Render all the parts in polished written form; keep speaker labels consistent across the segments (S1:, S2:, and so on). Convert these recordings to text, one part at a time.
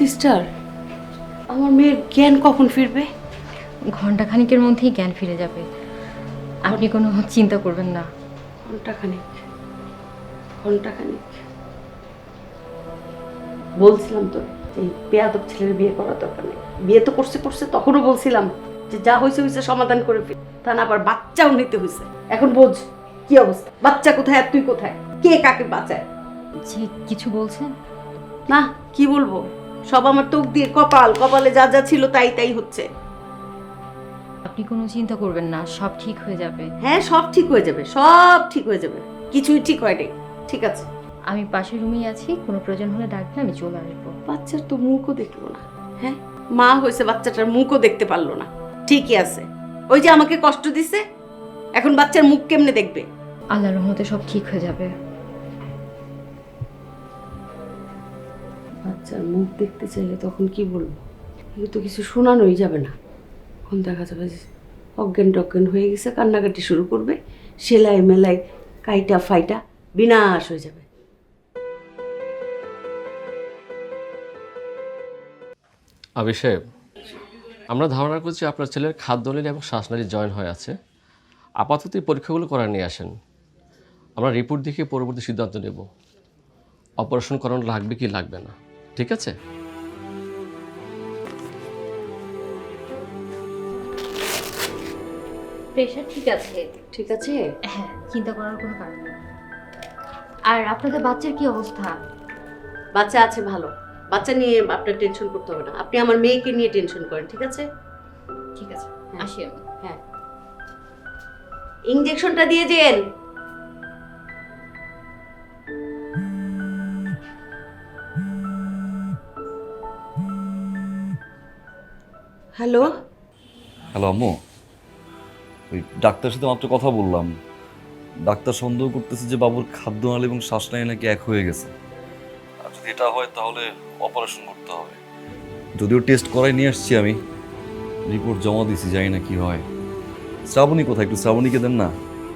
S1: Sister, আমার মেয়ের জ্ঞান কখন ফিরবে?
S2: ঘন্টাখানিকের মধ্যেই জ্ঞান ফিরে যাবে, আপনি কোনো চিন্তা করবেন না।
S1: ঘন্টাখানিক? ঘন্টাখানিক? বলছিলাম তো এই বেয়াদব ছেলের বিয়ে করা দরকার নেই। বিয়ে তো করছে তখনও বলছিলাম যে যা হয়েছে হয়েছে সমাধান করে ফেল, তা না আবার বাচ্চাও নিতে হয়েছে। এখন বোঝ কি অবস্থা, বাচ্চা কোথায় আর তুই কোথায়, কে কাকে বাঁচায়?
S2: জি, কিছু বলছেন?
S1: না, কি বলবো, সব আমার তোক দিয়ে কপালে যা যা ছিল তাই হচ্ছে।
S2: আপনি কোনো চিন্তা করবেন না, সব ঠিক হয়ে যাবে।
S1: হ্যাঁ, সব ঠিক হয়ে যাবে, সব ঠিক হয়ে যাবে, কিছুই ঠিক হয়নি। ঠিক আছে,
S2: আমি পাশের রুমেই আছি, কোনো প্রয়োজন হলে ডাকলে আমি চলে আসবো।
S1: বাচ্চার তো মুখও দেখলো না। হ্যাঁ, মা হয়েছে, বাচ্চাটার মুখও দেখতে পারলো না। ঠিকই আছে, ওই যে আমাকে কষ্ট দিছে, এখন বাচ্চার মুখ কেমনে দেখবে?
S2: আল্লাহর রহমতে সব ঠিক হয়ে যাবে।
S1: বাচ্চার মুখ দেখতে চাইলে তখন কি বলবো? এগুলো তো কিছু শোনানোই যাবে না। এখন দেখা যাবে যে অজ্ঞান টজ্ঞান হয়ে গেছে, কান্নাকাটি শুরু করবে, সেলাই মেলাই কাইটা ফাইটা বিনাশ হয়ে যাবে।
S3: অভিষেক, আমরা ধারণা করছি আপনার ছেলের খাদ্যনালী এবং শ্বাসনালী জয়েন হয়ে আছে। আপাতত এই পরীক্ষাগুলো করা নিয়ে আসেন, আমরা রিপোর্ট দেখে পরবর্তী সিদ্ধান্ত নেব অপারেশন করানো লাগবে কি লাগবে না। ঠিক আছে?
S2: প্রেশার ঠিক আছে?
S1: ঠিক আছে।
S2: হ্যাঁ, চিন্তা করার কোনো কারণ নেই। আর আপনাদের বাচ্চার কি অবস্থা?
S1: বাচ্চা আছে ভালো, বাচ্চা নিয়ে আপনার টেনশন করতে হবে না। আপনি আমার মেয়েকে নিয়ে টেনশন করেন। ঠিক আছে?
S2: ঠিক আছে, আসি আমি।
S1: হ্যাঁ, ইনজেকশনটা দিয়ে যেন। হ্যালো।
S4: হ্যালো আম্মু, ওই ডাক্তারের সাথে মাত্র কথা বললাম। ডাক্তার সন্দেহ করতেছে যে বাবুর খাদ্যনালী এবং শ্বাসনালী নাকি এক হয়ে গেছে। আর যদি এটা হয় তাহলে অপারেশন করতে হবে। যদিও টেস্ট করাই নিয়ে আসছি আমি, রিপোর্ট জমা দিয়েছি, জানি না কি হয়। শ্রাবণী কোথায়? একটু শ্রাবণীকে দেন না।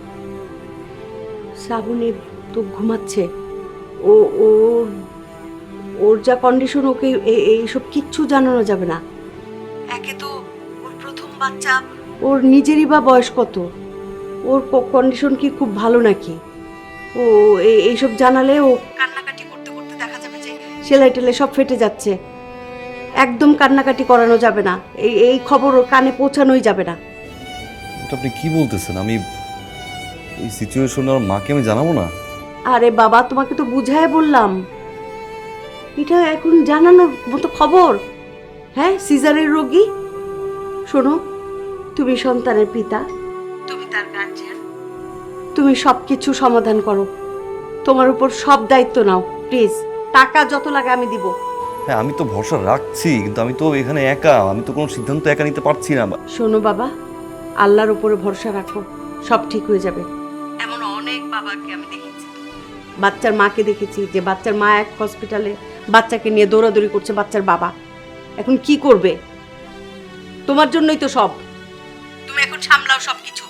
S1: শ্রাবণী তো ঘুমাচ্ছে। ও ওর ওর যা কন্ডিশন, ওকে এইসব কিচ্ছু জানানো যাবে না। একে তো ওর প্রথম বাচ্চা, ওর নিজেরই বা বয়স কত, ওর কন্ডিশন কি খুব ভালো নাকি? ও এইসব জানালে ও কান্নাকাটি করতে করতে দেখা যাবে যে সেলাই টেলাই সব ফেটে যাচ্ছে। একদম কান্নাকাটি করানো যাবে না, এই খবর ওর কানে পৌঁছানোই যাবে না।
S4: এটা আপনি কি বলতেছেন? আমি এই সিচুয়েশনে আমার মাকে আমি জানাবো না?
S1: আরে বাবা, তোমাকে তো বুঝায় বললাম, এটা এখন জানানোর মতো খবর? হ্যাঁ, সিজারের রোগী। শোনো, তুমি সন্তানের পিতা, তুমি তার গার্জিয়ান, তুমি সবকিছু সমাধান করো, তোমার উপর সব দায়িত্ব নাও প্লিজ। টাকা যত লাগে আমি দিব।
S4: হ্যাঁ, আমি তো ভরসা রাখছি, কিন্তু আমি তো এখানে একা, আমি তো কোনো সিদ্ধান্ত একা নিতে পারছি না।
S1: শোনো বাবা, আল্লাহর উপরে ভরসা রাখো, সব ঠিক হয়ে যাবে। এমন অনেক বাবাকে আমি দেখেছি, বাচ্চার মাকে দেখেছি যে বাচ্চার মা এক হসপিটালে বাচ্চাকে নিয়ে দৌড়াদৌড়ি করছে, বাচ্চার বাবা এখন কি করবে? তোমার জন্যই তো সব, তুমি এখন সামলাও সবকিছু।